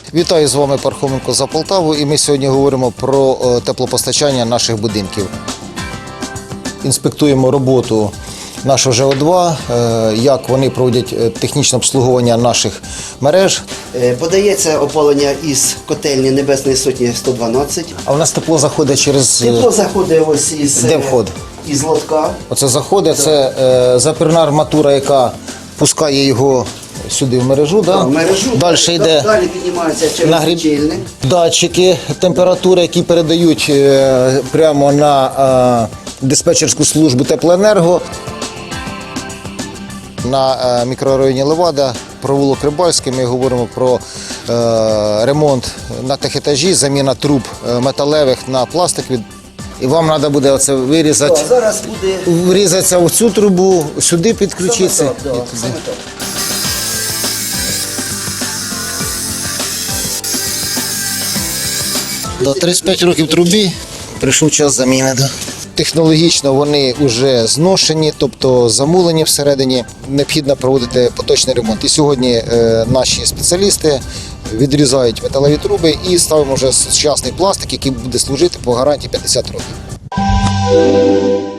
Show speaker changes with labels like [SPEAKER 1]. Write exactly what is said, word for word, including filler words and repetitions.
[SPEAKER 1] Вітаю, з вами Пархоменко за Полтаву, і ми сьогодні говоримо про теплопостачання наших будинків. Інспектуємо роботу нашого Ж О два, як вони проводять технічне обслуговування наших мереж.
[SPEAKER 2] Подається опалення із котельні Небесної Сотні сто дванадцять.
[SPEAKER 1] А у нас тепло заходить через...
[SPEAKER 2] Тепло заходить ось із,
[SPEAKER 1] Де вход?
[SPEAKER 2] із лотка.
[SPEAKER 1] Оце заходить, це е, запірна арматура, яка пускає його сюди в мережу. Да?
[SPEAKER 2] В мережу.
[SPEAKER 1] Далі йде
[SPEAKER 2] Далі піднімається через
[SPEAKER 1] нагріб...
[SPEAKER 2] лічильник.
[SPEAKER 1] датчики температури, які передають е, прямо на е, диспетчерську службу теплоенерго. На е, мікрорайоні Левада, провулок Рибальський, ми говоримо про е, ремонт на техетажі, заміна труб е, металевих на пластикові. І вам треба буде оце вирізати,
[SPEAKER 2] Так, зараз буде
[SPEAKER 1] врізатися в цю трубу, сюди підключитися.
[SPEAKER 2] саме так, да, саме так.
[SPEAKER 1] До тридцять п'ять років трубі прийшов час заміни. Да. Технологічно вони вже зношені, тобто замулені всередині. Необхідно проводити поточний ремонт. І сьогодні е, наші спеціалісти відрізають металеві труби і ставимо вже сучасний пластик, який буде служити по гарантії п'ятдесят років.